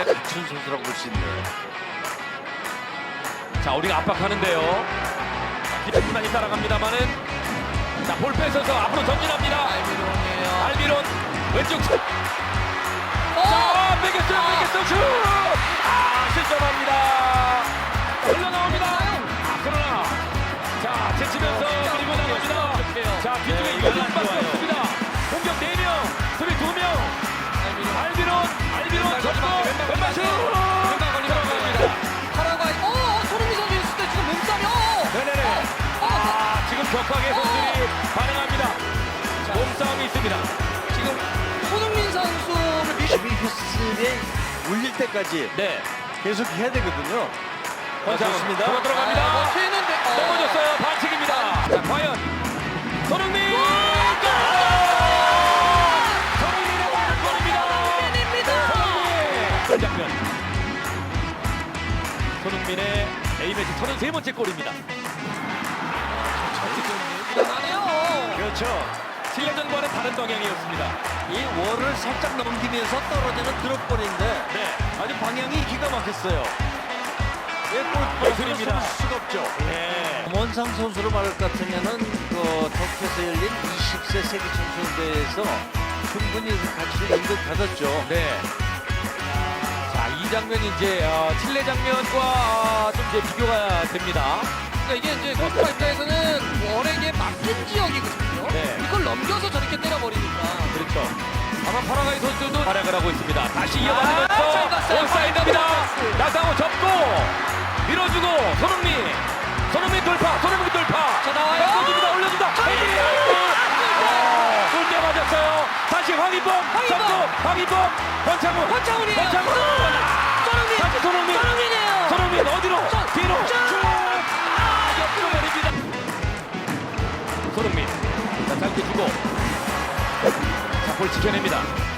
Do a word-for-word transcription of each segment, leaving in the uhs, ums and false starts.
데 갖춘 선수라고 볼 수 있네요. 자, 우리가 압박하는데요. 기분만이 따라갑니다만은 자, 볼 뺏어서 앞으로 전진합니다. 알미론이에요. 알미론 왼쪽 차. 어! 자, 뺏겼어요, 뺏겼어요, 슛! 아, 실점합니다. 흘러나옵니다. 아, 그러나 자, 제치면서 그리고 나갑니다. 자, 뒤쪽에 유승밖에 없습니다. 공격 네 명, 수비 두 명. 알비론, 알비론 접고 왼발 슛! 들어갑니다. 파라과이. 어, 어, 손흥민 선수 있을 때 지금 몸싸움이. 어! 네네네. 어, 어, 아, 지금 격하게 선수들이 반응합니다. 몸싸움이 있습니다. 지금 손흥민 선수를 미시 수비 휘슬에 울릴 때까지 네. 계속 해야 되거든요. 권창훈 좋습니다. 들어 들어갑니다. 아, 뭐 튀는데. 어. 넘어졌어요. 반칙입니다. 자, 과연 손흥민! 골! 손흥민의 골입니다. 손흥민입니다. 손흥민! 골 장면. 손흥민의 A매치 서른세 번째 골입니다. 대단하네요. 그렇죠. 칠 년 전과는 다른 방향이었습니다. 이 월을 살짝 넘기면서 떨어지는 드롭볼인데 네. 아주 방향이 기가 막혔어요. 예, 예술입니다. 골입니다. 수가 없죠. 네. 원상 선수로 말할 것 같으면은 그 터키에서 열린 이십 세 세계 청소년대회에서 충분히 그 가치를 인정받았죠. 네. 자, 이 장면이 이제 어, 칠레 장면과 어, 좀 이제 비교가 됩니다. 그러니까 이게 이제 골키퍼 입장에서는 월에게 맡긴 지역이거든요. 네. 이걸 넘겨서 저렇게 때려버리니까. 그렇죠. 아마 파라과이 선수도 활약을 하고 있습니다. 다시 이어받으면서 아, 잘 갔어요. 온사이드입니다. 파라과이. 나상호 접고 밀어주고 손흥민, 손흥민 돌파, 손흥민 돌파. 자, 나와요. 올려줍니다, 올려준다. 골대 맞았어요. 다시 황희범, 황희범. 접고 황희범, 권창훈, 권창훈이에요. 권창훈. 손흥민. 다시 손흥민, 손흥민이에요. 손흥민 어디로? 손. 뒤로. 쭉. 아, 옆으로 내립니다. 손흥민, 자, 짧게 주고, 자, 볼 지켜냅니다.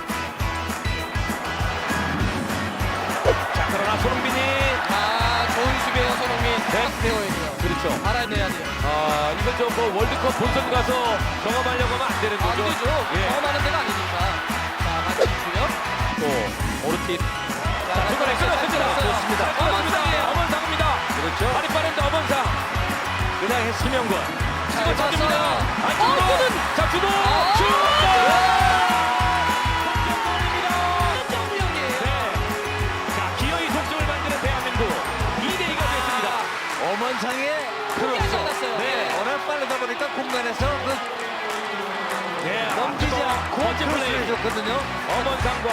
자, 그러나 손흥민이 아, 좋은 수비예요, 손흥민. 네. 딱 배워야 돼요. 그렇죠. 알아내야 돼요. 아, 이건 좀 뭐 월드컵 본선 가서 경험하려고 하면 안 되는 안 거죠. 되죠. 예. 경험하는 데가 아니니까. 자, 맞추고요. 또 오르틴. 자, 자, 중간에 끊었습니다. 좋습니다. 어먼상이에요. 어먼상입니다. 그렇죠. 발이 빠른데 어먼상. 그냥 했습니다. 김영권. 잘 치고 쳤습니다. 봤어요. 안쪽으로. 어, 골은. 자, 주도. 어. 슛! 골입니다. 정우영이에요. 네. 자, 기어이 속점을 만드는 대한민국. 이 대 이가 됐습니다. 어먼상의 포기하지 크로스. 않았어요. 네, 워낙 빠르다 보니까 공간에서 그 네, 넘기지 앞서서 않고 멋진 크로스를 플레이. 해줬거든요. 어먼상과